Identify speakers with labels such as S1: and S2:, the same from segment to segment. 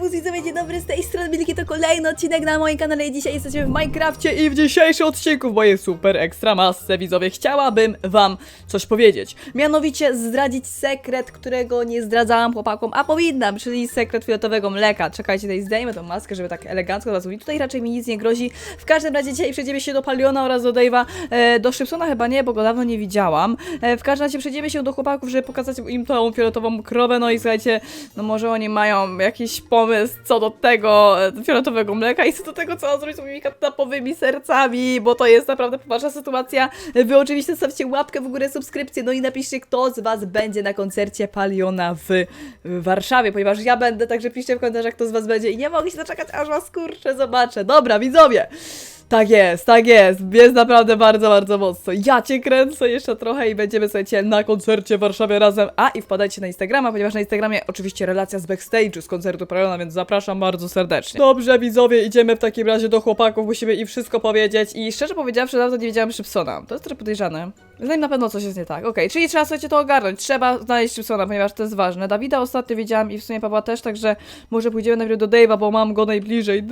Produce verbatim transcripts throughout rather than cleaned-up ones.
S1: Serwus widzowie, dzień dobry, z tej strony Milki, to kolejny odcinek na moim kanale i dzisiaj jesteśmy w Minecrafcie i w dzisiejszym odcinku w mojej super ekstra masce widzowie chciałabym wam coś powiedzieć. Mianowicie zdradzić sekret, którego nie zdradzałam chłopakom, a powinnam, czyli sekret fioletowego mleka. Czekajcie, tutaj zdejmę tą maskę, żeby tak elegancko was mówić. Tutaj raczej mi nic nie grozi. W każdym razie dzisiaj przejdziemy się do Paliona oraz do Dave'a, e, do Szybsona chyba nie, bo go dawno nie widziałam. E, w każdym razie przejdziemy się do chłopaków, żeby pokazać im tą fioletową krowę, no i słuchajcie, no może oni mają jakiś pomysł co do tego e, fioletowego mleka i co do tego, co on zrobić z moimi katnapowymi sercami, bo to jest naprawdę poważna sytuacja. Wy oczywiście zostawcie łapkę w górę, subskrypcję, no i napiszcie, kto z was będzie na koncercie Paliona w, w Warszawie, ponieważ ja będę, także piszcie w komentarzach, kto z was będzie i nie mogę się doczekać, aż was kurczę zobaczę. Dobra, widzowie! Tak jest, tak jest, jest naprawdę bardzo, bardzo mocno. Ja cię kręcę jeszcze trochę i będziemy, słuchajcie, na koncercie w Warszawie razem. A i wpadajcie na Instagrama, ponieważ na Instagramie oczywiście relacja z backstage'u, z koncertu Paliona, więc zapraszam bardzo serdecznie. Dobrze, widzowie, idziemy w takim razie do chłopaków, musimy im wszystko powiedzieć i szczerze powiedziawszy, dawno nie wiedziałam Szybsona. To jest trochę podejrzane. Z nim na pewno coś jest nie tak. Okej, okay, czyli trzeba, słuchajcie, to ogarnąć. Trzeba znaleźć Szybsona, ponieważ to jest ważne. Dawida ostatnio widziałam i w sumie Pawła też, także może pójdziemy najpierw do Dave'a, bo mam go najbliżej.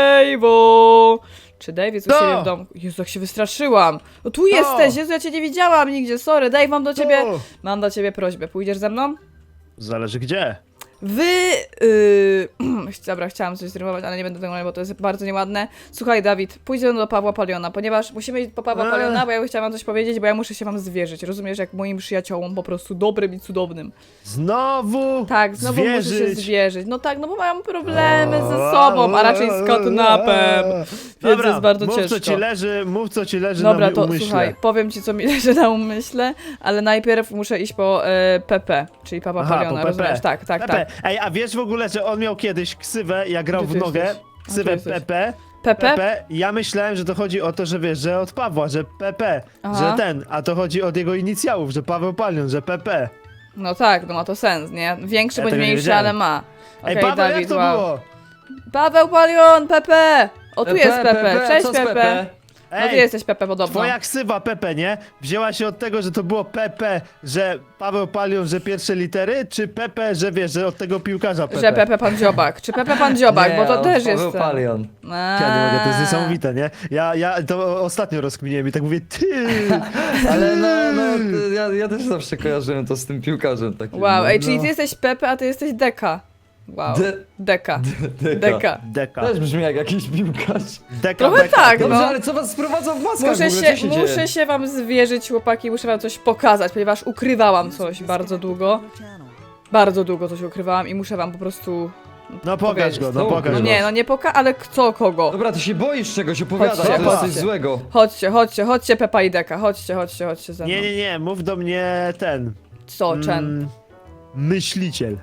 S1: Dave'o! Czy Dave jest u
S2: No.
S1: siebie w domu? Jezu, jak się wystraszyłam. No tu jesteś, Jezu, ja cię nie widziałam nigdzie, sorry. Dave, mam do ciebie,
S2: No.
S1: mam do ciebie prośbę. Pójdziesz ze mną?
S2: Zależy gdzie.
S1: Wy... Yy... Dobra, chciałam coś zrymować, ale nie będę tego mówić, bo to jest bardzo nieładne. Słuchaj, Dawid, pójdziemy do Pawła Paliona, ponieważ musimy iść po Pawła
S2: Eee.
S1: Paliona, bo ja chciałam wam coś powiedzieć, bo ja muszę się wam zwierzyć. Rozumiesz, jak moim przyjaciołom, po prostu dobrym i cudownym.
S2: Znowu
S1: Tak, znowu
S2: zwierzyć.
S1: muszę się zwierzyć. No tak, no bo mam problemy ze sobą, a raczej z katnapem. Więc
S2: Dobra,
S1: jest bardzo
S2: mów
S1: ciężko.
S2: co ci leży, mów co ci leży
S1: Dobra,
S2: na
S1: to
S2: umyśle.
S1: słuchaj, powiem ci, co mi leży na umyśle, ale najpierw muszę iść po e, P P, czyli Papa
S2: Aha,
S1: Paliona,
S2: po
S1: rozumiesz?
S2: Pepe.
S1: Tak, tak,
S2: Pepe.
S1: tak.
S2: Ej, a wiesz w ogóle, że on miał kiedyś ksywę, jak grał
S1: Gdzie
S2: w
S1: ty
S2: nogę?
S1: jesteś? A,
S2: Ksywę
S1: tu jesteś.
S2: Pepe.
S1: Pepe?
S2: Pepe. Ja myślałem, że to chodzi o to, że wiesz, że od Pawła, że Pepe,
S1: Aha.
S2: że ten, a to chodzi od jego inicjałów, że Paweł Palion, że Pepe.
S1: No tak, no ma to sens, nie? Większy
S2: Ja
S1: bądź
S2: tego nie
S1: mniejszy,
S2: wiedziałem.
S1: ale ma.
S2: Ej,
S1: Okej,
S2: Paweł,
S1: Dawid,
S2: jak to
S1: wow.
S2: było?
S1: Paweł Palion, Pepe! O, tu jest Pepe, cześć
S3: co z
S1: Pepe. No ty
S2: Ej,
S1: jesteś Pepe podobno.
S2: twoja ksywa Pepe, nie? Wzięła się od tego, że to było Pepe, że Paweł Palion, że pierwsze litery, czy Pepe, że wiesz, że od tego piłkarza Pepe?
S1: Że Pepe Pan Dziobak. Czy Pepe Pan Dziobak,
S3: Nie,
S1: bo to
S3: on
S1: też
S3: Paweł
S1: jest... ten-
S3: Palion.
S2: Ja nie mogę, to jest
S1: A.
S2: niesamowite, nie? Ja, ja to ostatnio rozkminiłem i tak mówię, ty!
S3: Ale no, no, to ja, ja też zawsze kojarzyłem to z tym piłkarzem takim.
S1: Wow,
S3: no.
S1: ej, czyli ty jesteś Pepe, a ty jesteś Deka. Wow.
S3: De-
S1: Deka.
S3: Deka.
S1: Deka.
S2: Deka.
S3: Też brzmi jak jakiś piłkarz.
S2: Deka,
S1: Trochę
S2: deka.
S1: tak,
S3: Dobrze,
S1: no.
S3: ale co was sprowadza w maskach
S1: Muszę
S3: w ogóle?
S1: się,
S3: Co się
S1: muszę
S3: dzieje?
S1: się wam zwierzyć, chłopaki, muszę wam coś pokazać, ponieważ ukrywałam coś bardzo długo. Bardzo długo coś ukrywałam i muszę wam po prostu...
S2: No pokaż go, no
S3: No
S2: pokaż
S1: No
S2: go.
S1: nie, no nie poka... ale kto kogo?
S3: Dobra, ty się boisz czegoś, opowiadaj,
S1: Chodźcie,
S3: to jest coś
S1: chodźcie.
S3: złego.
S1: Chodźcie, chodźcie, chodźcie Pepa i Deka, chodźcie, chodźcie, chodźcie ze mną.
S2: Nie, nie, nie, mów do mnie ten.
S1: Co, Chen?
S2: mm, Myśliciel.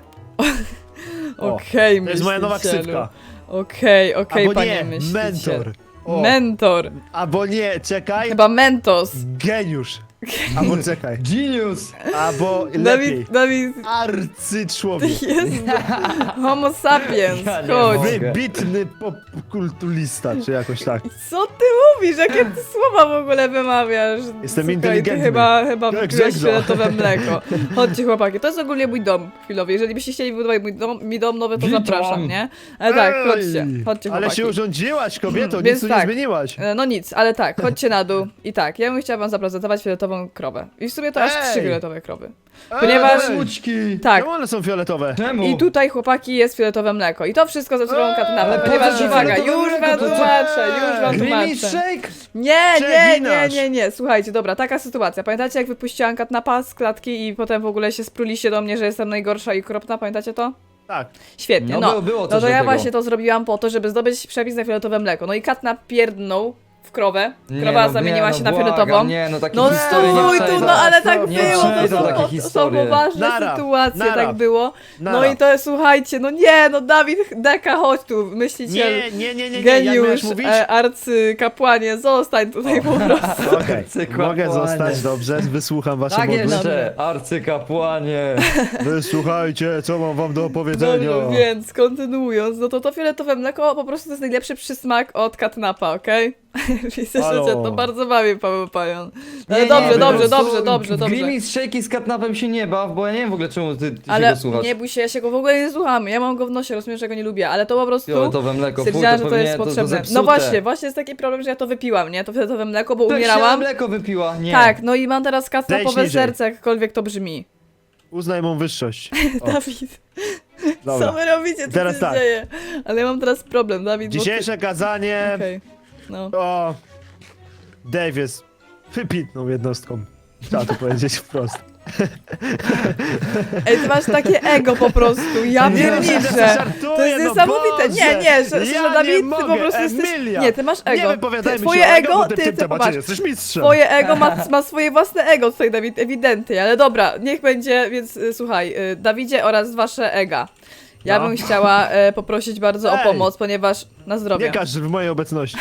S2: O,
S1: Okej,
S2: To jest moja nowa
S1: myślicielu.
S2: ksywka.
S1: Okej, okej,
S2: Albo
S1: panie
S2: nie,
S1: myśliciel.
S2: mentor. O,
S1: Mentor.
S2: albo nie, czekaj,
S1: Chyba Mentos.
S2: geniusz. Albo czekaj,
S3: Genius!
S2: albo lepiej,
S1: Dawid, Dawid,
S2: arcyczłowiek.
S1: jest homo sapiens,
S3: Ja nie
S1: chodź.
S3: mogę.
S2: Wybitny popkulturista, czy jakoś tak.
S1: Co ty mówisz? Jakie ty słowa w ogóle wymawiasz?
S2: Jestem
S1: Słuchaj,
S2: inteligentny.
S1: Ty chyba, chyba
S2: Jak
S1: wypiłeś
S2: Grzegorz.
S1: fioletowe mleko. Chodźcie chłopaki, to jest ogólnie mój dom chwilowy. Jeżeli byście chcieli wybudować mój dom, mi dom nowy, to
S3: Witam.
S1: zapraszam, nie? Ale tak,
S2: Ej,
S1: chodźcie, chodźcie
S2: Ale
S1: chłopaki.
S2: się urządziłaś, kobieto, nic
S1: Więc
S2: tu
S1: tak.
S2: nie zmieniłaś.
S1: E, No nic, ale tak, chodźcie na dół. I tak, ja bym chciała wam zaprezentować fioletową krowę. I w sumie to aż
S2: Ej!
S1: trzy fioletowe krowy. Ponieważ-
S2: Ej,
S3: Łuczki!
S1: Tak,
S2: Czemu one są fioletowe?
S3: Czemu?
S1: i tutaj chłopaki jest fioletowe mleko. I to wszystko ze sobą
S2: Eee,
S1: katnapę,
S2: ale
S1: ponieważ
S3: po co
S1: uwaga,
S3: fioletowe
S1: już
S3: mleko?
S1: wam
S3: To co?
S1: tłumaczę, już wam
S3: Creamy
S1: tłumaczę.
S3: shake?
S1: Nie, nie, nie,
S2: Przeginasz.
S1: nie, nie, słuchajcie, dobra, taka sytuacja. Pamiętacie, jak wypuściłam katnapa z klatki i potem w ogóle się spruliście do mnie, że jestem najgorsza i okropna, pamiętacie to?
S2: Tak.
S1: Świetnie,
S3: No,
S1: no.
S3: było- było
S1: no
S3: coś
S1: to
S3: do
S1: ja
S3: tego.
S1: właśnie to zrobiłam po to, żeby zdobyć przepis na fioletowe mleko. No i katnap pierdnął w krowę,
S3: Nie,
S1: krowa
S3: no,
S1: zamieniła
S3: nie,
S1: się
S3: no,
S1: na
S3: błagam,
S1: fioletową.
S3: Nie, no takie
S1: No
S3: historie nie
S1: stój tu,
S3: przejdą.
S1: no ale tak
S2: Nie
S1: było, to
S3: przejdą
S1: są,
S3: takie
S1: to są
S3: historie.
S1: poważne
S2: Nara,
S1: sytuacje,
S2: nara.
S1: tak było. No
S2: Nara.
S1: i to słuchajcie, no nie, no Dawid, Deka, chodź tu, myśliciel,
S2: Nie, nie, nie, nie, nie, jak
S1: geniusz,
S2: miałeś mówić?
S1: e, arcykapłanie, zostań tutaj po prostu.
S2: Okej,
S3: Arcykapłanie.
S2: mogę zostać, dobrze, wysłucham wasze
S3: Tak
S2: modły.
S3: jeszcze, arcykapłanie.
S2: Wysłuchajcie, co mam wam do opowiedzenia.
S1: Dobrze, więc kontynuując, no to to fioletowe mleko po prostu to jest najlepszy przysmak od katnapa, okej? Widzę, że
S2: Halo.
S1: cię to bardzo bawi, Paweł Palion. Ale
S3: Nie, nie,
S1: dobrze,
S3: po
S1: dobrze,
S3: prostu
S1: dobrze, dobrze, dobrze.
S3: Grimmie z Shaky z Catnapem się nie baw, bo ja nie wiem w ogóle czemu ty, ty się
S1: Ale
S3: go słuchasz.
S1: nie bój się, ja się go w ogóle nie słucham. Ja mam go w nosie, rozumiesz, że go nie lubię, ale to po prostu
S3: Fioletowe mleko, fuj,
S1: stwierdziłam,
S3: to
S1: że to
S3: pewnie
S1: jest
S3: to, to
S1: potrzebne.
S3: zepsute.
S1: No właśnie, właśnie jest taki problem, że ja to wypiłam, nie? To fioletowe mleko, bo
S3: Tak,
S1: umierałam.
S3: mleko wypiła, nie.
S1: Tak, no i mam teraz katnapowe
S2: Zejdź niżej.
S1: serce, jakkolwiek to brzmi.
S2: Uznaj mą wyższość. O,
S1: Dawid,
S2: dobra.
S1: co wy robicie, co
S2: Teraz
S1: się
S2: tak.
S1: dzieje? Ale ja mam teraz problem, Dawid, bo
S2: Dzisiejsze kazanie
S1: ty... Okej, no.
S2: o... Dave jest wypitną jednostką. Trzeba to powiedzieć wprost.
S1: Ej, ty masz takie ego po prostu, ja
S2: Nie, że
S1: pierniczę.
S2: żartuję,
S1: To jest
S2: no
S1: niesamowite.
S2: Boże.
S1: Nie, nie, że, że
S2: Ja
S1: Dawid,
S2: nie
S1: ty
S2: mogę,
S1: po prostu jesteś...
S2: Emilia.
S1: Nie, ty masz ego.
S2: Nie wypowiadajmy
S1: Ty, twoje
S2: się o
S1: ego,
S2: bo
S1: ty,
S2: w tym
S1: ty,
S2: temacie
S1: popatrz.
S2: jesteś mistrzem.
S1: Twoje ego ma, ma swoje własne ego tutaj, Dawid, ewidentnie, ale dobra, niech będzie, więc y, słuchaj, y, Dawidzie oraz wasze ega. Ja
S2: No.
S1: bym chciała e, poprosić bardzo o
S2: Ej.
S1: pomoc, ponieważ na zdrowie.
S2: Nie każ w mojej obecności.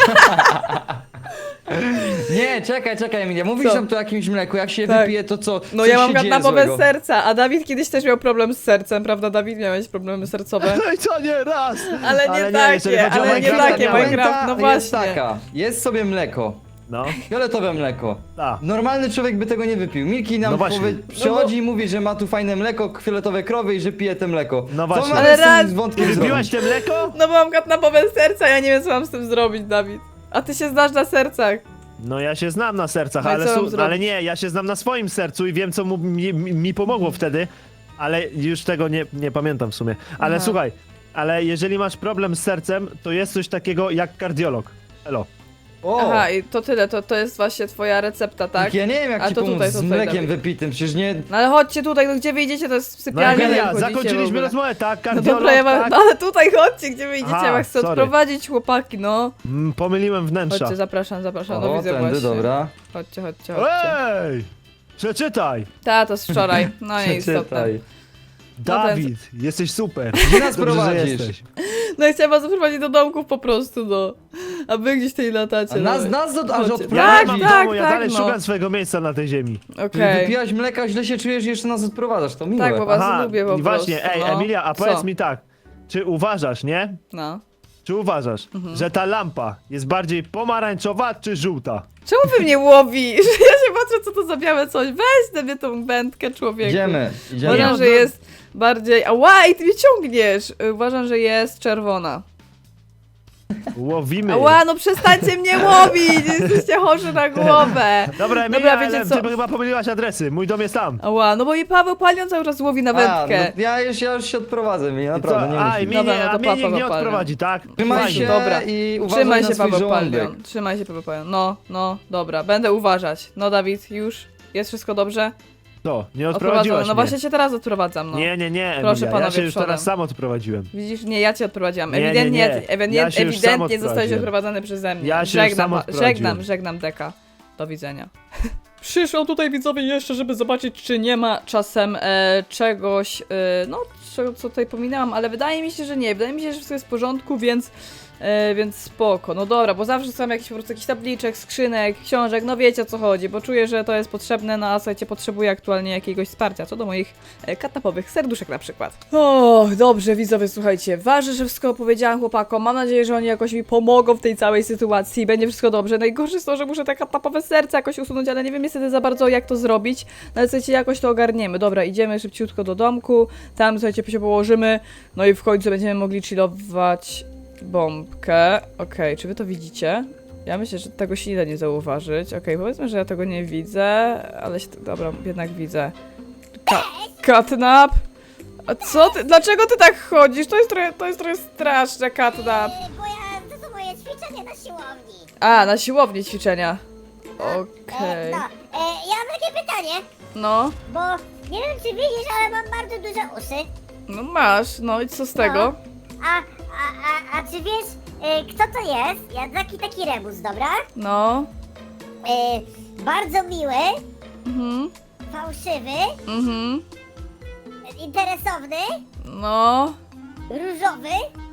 S3: Nie, czekaj, czekaj Emilia, mówisz
S1: Co?
S3: nam tu o jakimś mleku, jak się
S1: Tak.
S3: wypije to co?
S1: No
S3: co
S1: ja mam
S3: się dzieje
S1: katnapowe
S3: złego?
S1: serca, a Dawid kiedyś też miał problem z sercem, prawda Dawid? Miałeś problemy sercowe.
S2: No i co nie raz.
S1: Ale nie
S2: jeżeli
S1: takie,
S2: chodzi o
S1: ale nie
S2: Minecrafta,
S1: takie,
S2: miałem.
S1: Minecraft, no
S3: Puenta jest
S1: właśnie.
S3: taka, jest sobie mleko,
S2: No,
S3: fioletowe mleko.
S2: tak.
S3: Normalny człowiek by tego nie wypił. Milki nam
S2: No właśnie.
S3: powie, przychodzi i mówi, że ma tu fajne mleko, fioletowe krowy i że pije te mleko.
S2: No
S3: Co
S2: właśnie.
S3: mamy
S1: Ale
S3: z tym
S1: raz-
S3: wątkiem
S2: Wypiłaś
S3: zrobić?
S2: te mleko?
S1: No bo mam katnapowe serca, ja nie wiem co mam z tym zrobić, Dawid. A ty się znasz na sercach.
S2: No ja się znam na sercach,
S1: No i
S2: ale,
S1: co mam
S2: su-
S1: zrobić?
S2: ale nie, ja się znam na swoim sercu i wiem co mu, mi, mi mi pomogło wtedy, ale już tego nie, nie pamiętam w sumie. Ale
S1: Aha.
S2: słuchaj, ale jeżeli masz problem z sercem, to jest coś takiego jak kardiolog. Elo.
S3: O,
S1: Aha, i to tyle, to, to jest właśnie twoja recepta, tak?
S3: ja nie wiem jak
S1: A
S3: ci
S1: to
S3: pomóc
S1: tutaj,
S3: z
S1: to tutaj,
S3: mlekiem
S1: Dawid.
S3: wypitym, przecież nie...
S1: No ale chodźcie tutaj, no gdzie wyjdziecie, to jest
S2: No
S1: sypialnia.
S2: Emilia,
S1: jak chodzicie w
S2: zakończyliśmy
S1: ogóle.
S2: rozmowę, tak?
S1: No
S2: Kardiolog,
S1: dobra, ja mam,
S2: tak?
S1: no ale tutaj chodźcie, gdzie wyjdziecie,
S2: Aha,
S1: ja was chcę
S2: sorry.
S1: odprowadzić, chłopaki, no.
S2: Mm, pomyliłem wnętrza.
S1: Chodźcie, zapraszam, zapraszam, no
S3: O,
S1: widzę
S3: tędy,
S1: właśnie.
S3: dobra.
S1: Chodźcie, chodźcie, chodźcie.
S2: Ej! Przeczytaj!
S1: Ta, to z wczoraj, no nieistotne.
S3: Przeczytaj.
S2: Dawid, jesteś super.
S3: Gdzie nas
S2: Dobrze, że
S3: prowadzisz?
S2: jesteś.
S1: No i chciałam was zaprowadzić do domków po prostu, no. A wy gdzieś tutaj latacie.
S3: A nas,
S1: no.
S3: nas do, aż
S1: Chodźcie.
S2: Ja
S3: odprowadzisz?
S2: nie mam
S1: tak,
S2: domu, ja
S1: tak,
S2: dalej
S1: no.
S2: szukam swojego miejsca na tej ziemi.
S1: Okej.
S3: Wypiłaś mleka, źle się czujesz i jeszcze nas odprowadzasz, to miłe.
S1: Tak, bo was lubię po
S2: i właśnie,
S1: prostu,
S2: ej,
S1: no.
S2: Emilia, a
S1: Co?
S2: powiedz mi tak, czy uważasz, nie?
S1: No.
S2: Czy uważasz,
S1: Mhm.
S2: że ta lampa jest bardziej pomarańczowa czy żółta?
S1: Czemu wy mnie łowisz? Ja się patrzę, co to za białe coś. Weź na mnie tą wędkę, człowieku.
S3: Idziemy, idziemy.
S1: Uważam,
S2: Nie,
S1: że
S2: no-
S1: jest bardziej... Ała, i ty mnie ciągniesz! Uważam, że jest czerwona.
S2: Łowimy.
S1: Ała, no przestańcie mnie łowić! Jesteście chorzy na głowę.
S2: Dobra, Emilia,
S1: Dobra, wiecie
S2: ale
S1: co?
S2: ty chyba pomyliłaś adresy, mój dom jest tam.
S1: Ała, no bo i Paweł Palion cały czas łowi na
S3: A,
S1: wędkę.
S3: no, ja, już, ja już się odprowadzę, mi
S2: I
S3: naprawdę,
S2: co?
S3: nie
S2: A,
S3: musisz.
S2: i mnie,
S1: Dobra,
S2: nie,
S1: no to
S2: a mnie nikt
S1: papa
S2: nie
S1: go palę.
S2: odprowadzi, tak?
S3: Trzymaj
S2: Fajnie.
S3: się
S1: Dobra.
S3: i uważaj
S1: Trzymaj
S3: na
S1: się,
S3: swój
S1: Paweł
S3: żołądek.
S1: Palion. Trzymaj się, Paweł Palion. No, no, dobra, będę uważać. No, Dawid, już? Jest wszystko dobrze?
S2: To, nie
S1: Odprowadzone.
S2: odprowadziłaś
S1: No
S2: mnie.
S1: właśnie cię teraz odprowadzam, no.
S2: Nie, nie, nie, Emilia,
S1: Proszę
S2: ja
S1: panowie
S2: się już
S1: przodem.
S2: teraz sam odprowadziłem.
S1: Widzisz, nie, ja cię odprowadziłam.
S2: Nie, nie,
S1: Ewidentnie,
S2: nie.
S1: ewidentnie,
S2: Ja się już sam
S1: ewidentnie zostałeś
S2: odprowadziłem.
S1: odprowadzony przeze mnie.
S2: Ja się już sam
S1: żegnam,
S2: odprowadziłem.
S1: żegnam, żegnam Deka. Do widzenia. Przyszło tutaj widzowie jeszcze, żeby zobaczyć, czy nie ma czasem e, czegoś, e, no, czego, co tutaj pominęłam, ale wydaje mi się, że nie. Wydaje mi się, że wszystko jest w porządku, więc, e, więc spoko. No dobra, bo zawsze są jakieś po prostu jakiś tabliczek, skrzynek, książek, no wiecie o co chodzi, bo czuję, że to jest potrzebne, no a słuchajcie, potrzebuję aktualnie jakiegoś wsparcia, co do moich e, katapowych serduszek na przykład. O, dobrze widzowie, słuchajcie, ważne, że wszystko opowiedziałam chłopakom, mam nadzieję, że oni jakoś mi pomogą w tej całej sytuacji, będzie wszystko dobrze. Najgorsze jest to, że muszę te katapowe serce jakoś usunąć, ale nie wiem niestety za bardzo jak to zrobić, no ale słuchajcie, jakoś to ogarniemy. Dobra, idziemy szybciutko do domku, tam słuchajcie, się położymy, no i w końcu będziemy mogli chillować bombkę. Okej, czy wy to widzicie? Ja myślę, że tego się nie da nie zauważyć. Okej, powiedzmy, że ja tego nie widzę, ale się, dobra, jednak widzę. Ka Catnap? A co ty? Dlaczego ty tak chodzisz? To jest trochę, to jest trochę straszne, Catnap.
S4: E, Bo ja, to są moje ćwiczenia na siłowni.
S1: A, na siłowni ćwiczenia.
S4: E,
S1: Okej.
S4: no, e, ja mam takie pytanie,
S1: No,
S4: bo nie wiem czy widzisz, ale mam bardzo duże uszy.
S1: no masz, no i co z tego?
S4: A, a, a, a czy wiesz, e, kto to jest? Ja taki taki rebus, dobra?
S1: No.
S4: E, bardzo miły,
S1: Mhm,
S4: fałszywy,
S1: mhm.
S4: e, interesowny,
S1: No.
S4: różowy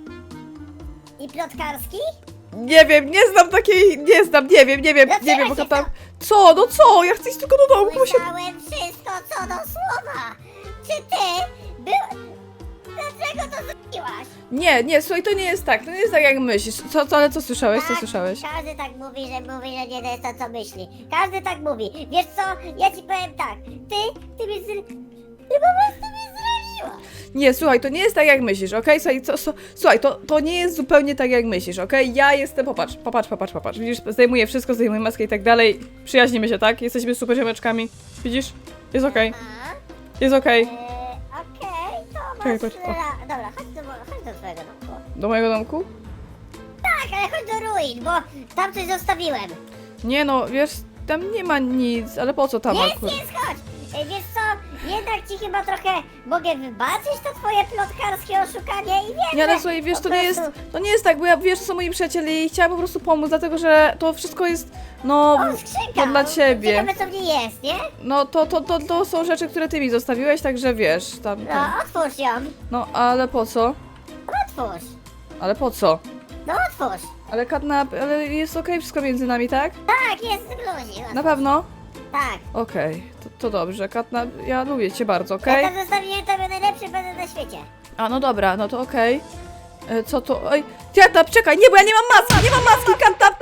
S4: i plotkarski.
S1: Nie wiem, nie znam takiej, nie znam, nie wiem, nie wiem,
S4: Dlaczego
S1: nie wiem, bo
S4: się
S1: tam... Co, no co? Ja chcę iść tylko do domku, bo się...
S4: Słyszałem wszystko co do słowa. Czy ty był... Dlaczego dlaczego to zrobiłaś?
S1: Nie, nie, słuchaj, to nie jest tak, to nie jest tak jak myślisz. Co, co ale co słyszałeś, co
S4: Tak,
S1: słyszałeś?
S4: Każdy tak mówi, że mówi, że nie to jest to, co myśli. Każdy tak mówi. Wiesz co, ja ci powiem tak. Ty, ty mnie zr... Ty po prostu mnie zraniła.
S1: Nie, słuchaj, to nie jest tak jak myślisz, okej? Słuchaj, co, co, słuchaj, to, to nie jest zupełnie tak jak myślisz, okej? Ja jestem, popatrz, popatrz, popatrz, popatrz. Widzisz, zdejmuję wszystko, zdejmuję maskę i tak dalej. Przyjaźnimy się, tak? Jesteśmy super ziomeczkami. Widzisz? Jest okej,
S4: A?
S1: jest okej.
S4: Eee, okej, to masz...
S1: Czekaj, patrz, o.
S4: ra- Dobra, chodź do, mo- chodź do twojego domku.
S1: Do mojego domku?
S4: Tak, ale chodź do ruin, bo tam coś zostawiłem.
S1: Nie no, wiesz, tam nie ma nic, ale po co tam
S4: Jest,
S1: akurat?
S4: jest, chodź. Ej, wiesz co, jednak ci chyba trochę mogę wybaczyć to twoje plotkarskie oszukanie i wiem,
S1: Nie, ale
S4: że
S1: słuchaj, wiesz,
S4: po
S1: to nie jest,
S4: prostu-
S1: to nie jest tak, bo ja, wiesz, to są moi przyjaciele i chciałam po prostu pomóc, dlatego że to wszystko jest, no,
S4: O, skrzynka!
S1: to dla ciebie.
S4: Ciekawe co w niej jest, nie?
S1: No, to, to, to, to są rzeczy, które ty mi zostawiłeś, także wiesz, tam,
S4: No,
S1: tam.
S4: otwórz ją.
S1: No, ale po co?
S4: Otwórz.
S1: Ale po co?
S4: No, otwórz.
S1: Ale Katnap, ale jest okej wszystko między nami, tak?
S4: Tak, jest luzik.
S1: Na pewno?
S4: Tak.
S1: Okej, to, to dobrze, Katnap, ja lubię cię bardzo,
S4: Ja
S1: okej?
S4: tam zostawiłem tobie najlepszy będę na świecie.
S1: A, no dobra, no to okej. E, Co to? Oj, Katnap, czekaj, nie, bo ja nie mam maski, nie mam maski, Katnap,